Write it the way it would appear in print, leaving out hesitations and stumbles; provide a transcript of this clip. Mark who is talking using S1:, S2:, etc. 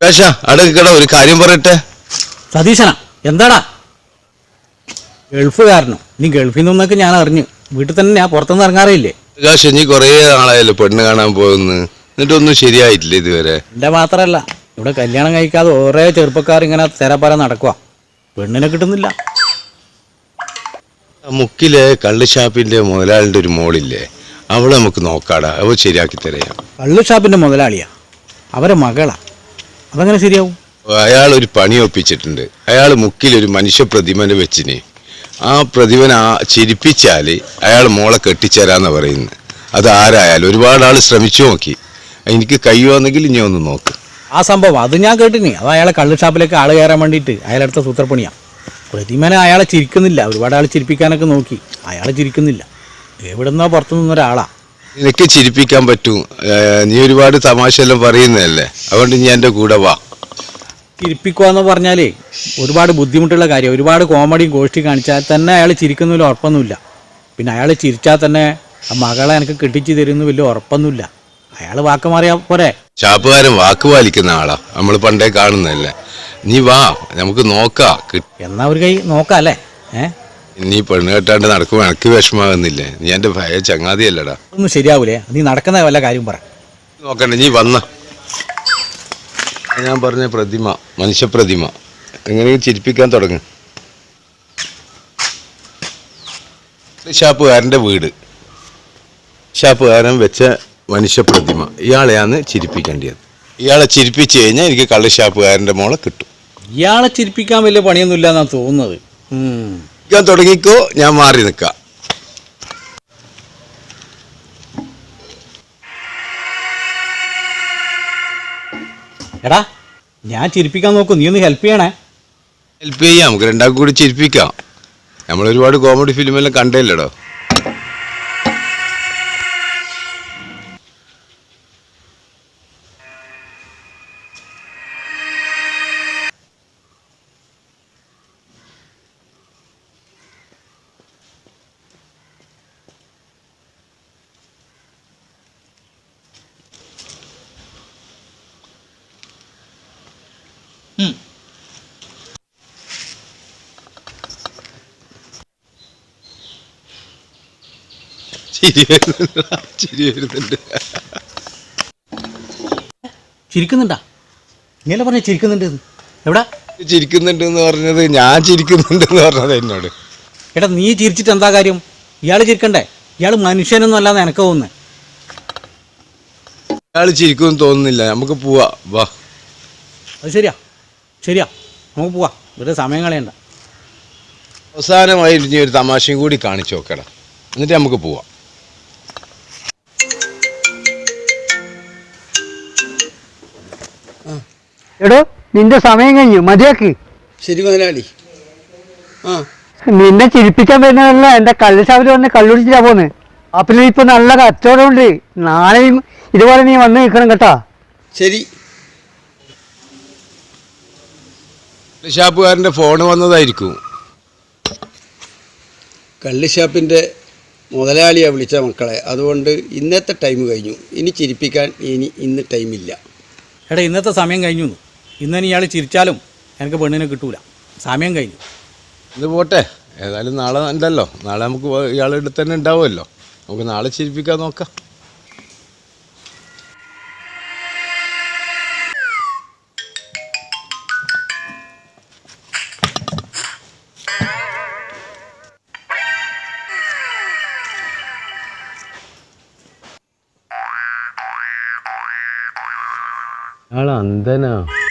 S1: അടക്കട ഒരു കാര്യം പറയട്ടെ.
S2: സതീശനാ, എന്താടാ? ഗൾഫുകാരനോ? നീ ഗൾഫിൽ നിന്നൊക്കെ ഞാൻ അറിഞ്ഞു. വീട്ടിൽ തന്നെ ഞാൻ പുറത്തുനിന്ന് ഇറങ്ങാറില്ലേ.
S1: പ്രകാശ്, നീ കൊറേ നാളായല്ലോ പെണ്ണ് കാണാൻ പോകുന്നു, എന്നിട്ടൊന്നും ശരിയായിട്ടില്ല ഇതുവരെ.
S2: എന്റെ മാത്രല്ല, ഇവിടെ കല്യാണം കഴിക്കാതെ ഓരോ ചെറുപ്പക്കാർ ഇങ്ങനെ തെരപ്പര നടക്കുക. പെണ്ണിനെ കിട്ടുന്നില്ല.
S1: മുക്കിലെ കള്ള് ഷാപ്പിന്റെ മുതലാളിന്റെ ഒരു മോളില്ലേ, അവളെ നമുക്ക് നോക്കാടാ, അവ ശരിയാക്കി തരാം.
S2: കള്ളു ഷാപ്പിന്റെ മുതലാളിയാ? അവരെ മകളാ? അതങ്ങനെ ശരിയാവും?
S1: അയാൾ ഒരു പണി ഒപ്പിച്ചിട്ടുണ്ട്. അയാൾ മുക്കിലൊരു മനുഷ്യ പ്രതിമനെ വെച്ചിന്. ആ പ്രതിമനെ ചിരിപ്പിച്ചാല് അയാൾ മോളെ കെട്ടിച്ചേരാന്ന് പറയുന്നത്. അത് ആരായാലും ഒരുപാട് ആൾ ശ്രമിച്ചു നോക്കി. എനിക്ക് കഴിയുമെന്നെങ്കിൽ ഇനി ഒന്ന് നോക്ക്.
S2: ആ സംഭവം അത് ഞാൻ കേട്ടിനി. അത് അയാളെ കള്ളു ഷാപ്പിലേക്ക് ആള് കയറാൻ വേണ്ടിയിട്ട് അയാളെടുത്ത സൂത്രപ്പണിയാണ്. പ്രതിമനെ അയാളെ ചിരിക്കുന്നില്ല. ഒരുപാട് ആൾ ചിരിപ്പിക്കാനൊക്കെ നോക്കി, അയാളെ ചിരിക്കുന്നില്ല. എവിടുന്നോ പുറത്തു നിന്നൊരാളാ.
S1: നിനക്ക് ചിരിപ്പിക്കാൻ പറ്റും. നീ ഒരുപാട് തമാശ എല്ലാം പറയുന്നതല്ലേ, അതുകൊണ്ട് നീ എൻ്റെ കൂടെ വാ.
S2: ചിരിപ്പിക്കുക എന്ന് പറഞ്ഞാലേ ഒരുപാട് ബുദ്ധിമുട്ടുള്ള കാര്യം. ഒരുപാട് കോമഡിയും ഗോഷ്ടി കാണിച്ചാൽ തന്നെ അയാൾ ചിരിക്കുന്നതിൽ ഉറപ്പൊന്നുമില്ല. പിന്നെ അയാൾ ചിരിച്ചാൽ തന്നെ ആ മകളെ എനിക്ക് കെട്ടിച്ചു തരുന്ന വലിയ ഉറപ്പൊന്നുമില്ല. അയാൾ വാക്ക് മാറിയാ പോരെ.
S1: ഷാപ്പുകാരൻ വാക്ക് പാലിക്കുന്ന ആളാ, നമ്മൾ പണ്ടേ കാണുന്നതല്ലേ. നീ വാ, നമുക്ക് നോക്കാം.
S2: എന്നാ ഒരു കൈ നോക്കാം അല്ലേ?
S1: നീ പെണ്ണ് കെട്ടാണ്ട് നടക്കുമ്പോൾ എനിക്ക് വിഷമാകുന്നില്ലേ? നീ എൻ്റെ ഭയ ചങ്ങാതിയല്ലടാ.
S2: ഒന്നും ശരിയാവൂലേ? നീ നടക്കുന്ന വല്ല കാര്യം പറ.
S1: നോക്കണ്ട, നീ വന്ന. ഞാൻ പറഞ്ഞ പ്രതിമ, മനുഷ്യപ്രതിമ, എങ്ങനെയും ചിരിപ്പിക്കാൻ തുടങ്ങും. ഷാപ്പുകാരൻ്റെ വീട്, ഷാപ്പുകാരൻ വെച്ച മനുഷ്യപ്രതിമ, ഇയാളെയാണ് ചിരിപ്പിക്കേണ്ടത്. ഇയാളെ ചിരിപ്പിച്ചു കഴിഞ്ഞാൽ എനിക്ക് കള്ള് ഷാപ്പുകാരൻ്റെ മോളെ കിട്ടും.
S2: ഇയാളെ ചിരിപ്പിക്കാൻ വലിയ പണിയൊന്നുമില്ല എന്നാണ് തോന്നുന്നത്.
S1: തുടങ്ങിക്കോ, ഞാൻ മാറി നിൽക്കാം.
S2: എടാ, ഞാൻ ചിരിപ്പിക്കാൻ നോക്കും, നീ ഒന്ന് ഹെൽപ്പ് ചെയ്യണേ.
S1: ഹെൽപ്പ് ചെയ്യാം, നമുക്ക് രണ്ടാൾക്കും കൂടി ചിരിപ്പിക്കാം. നമ്മൾ ഒരുപാട് കോമഡി ഫിലിമെല്ലാം കണ്ടല്ലടോ.
S2: ചിരിക്കുന്നുണ്ടാ? ഇങ്ങനെ പറഞ്ഞ ചിരിക്കുന്നുണ്ട്. എവിടാ
S1: ചിരിക്കുന്നുണ്ട് എന്ന് പറഞ്ഞത്? ഞാൻ ചിരിക്കുന്നുണ്ടെന്ന് പറഞ്ഞത് എന്നോട്.
S2: എടാ, നീ ചിരിച്ചിട്ട് എന്താ കാര്യം? ഇയാൾ ചിരിക്കണ്ടേ? ഇയാൾ മനുഷ്യനൊന്നും അല്ലാന്ന് എനക്ക് തോന്നുന്നത്.
S1: ഇയാൾ ചിരിക്കുമെന്ന് തോന്നുന്നില്ല. നമുക്ക് പോവാ, വാ.
S2: അത് ശരിയാ, ശരിയാ, നമുക്ക് പോവാ. വെറുതെ സമയം കളയണ്ട.
S1: അവസാനമായി ഇനി ഒരു തമാശയും കൂടി കാണിച്ചു നോക്കടാ, എന്നിട്ട് നമുക്ക് പോവാം.
S3: എടോ, നിന്റെ സമയം കഴിഞ്ഞു, മതിയാക്ക്.
S4: ശരി മുതലാളി.
S3: നിന്നെ ചിരിപ്പിക്കാൻ വരുന്നതല്ല, എൻ്റെ കള്ളുഷാപ്പിൽ വന്ന് കള്ളുടിച്ചിട്ടാ പോന്ന്. അപ്പിൽ ഇപ്പൊ നല്ല കച്ചവടമുണ്ട്. നാളെയും ഇതുപോലെ നീ വന്ന് നിൽക്കണം കേട്ടാ.
S4: ശരി.
S1: ഷാപ്പുകാരൻ്റെ ഫോണ് വന്നതായിരിക്കും.
S4: കള്ള് ഷാപ്പിൻ്റെ മുതലാളിയാണ് വിളിച്ച മക്കളെ. അതുകൊണ്ട് ഇന്നത്തെ ടൈം കഴിഞ്ഞു. ഇനി ചിരിപ്പിക്കാൻ ഇന്ന് ടൈമില്ല.
S2: എടാ, ഇന്നത്തെ സമയം കഴിഞ്ഞു. ഇന്നിനി ഇയാൾ ചിരിച്ചാലും എനിക്ക് പെണ്ണിനെ കിട്ടൂല. സമയം കഴിഞ്ഞു.
S1: ഇത് പോട്ടെ, ഏതായാലും നാളെ ഉണ്ടല്ലോ. നാളെ നമുക്ക് ഇയാളുടെ അടുത്ത് തന്നെ ഉണ്ടാവുമല്ലോ. നമുക്ക് നാളെ ചിരിപ്പിക്കാൻ നോക്കാം. അന്ധനാ.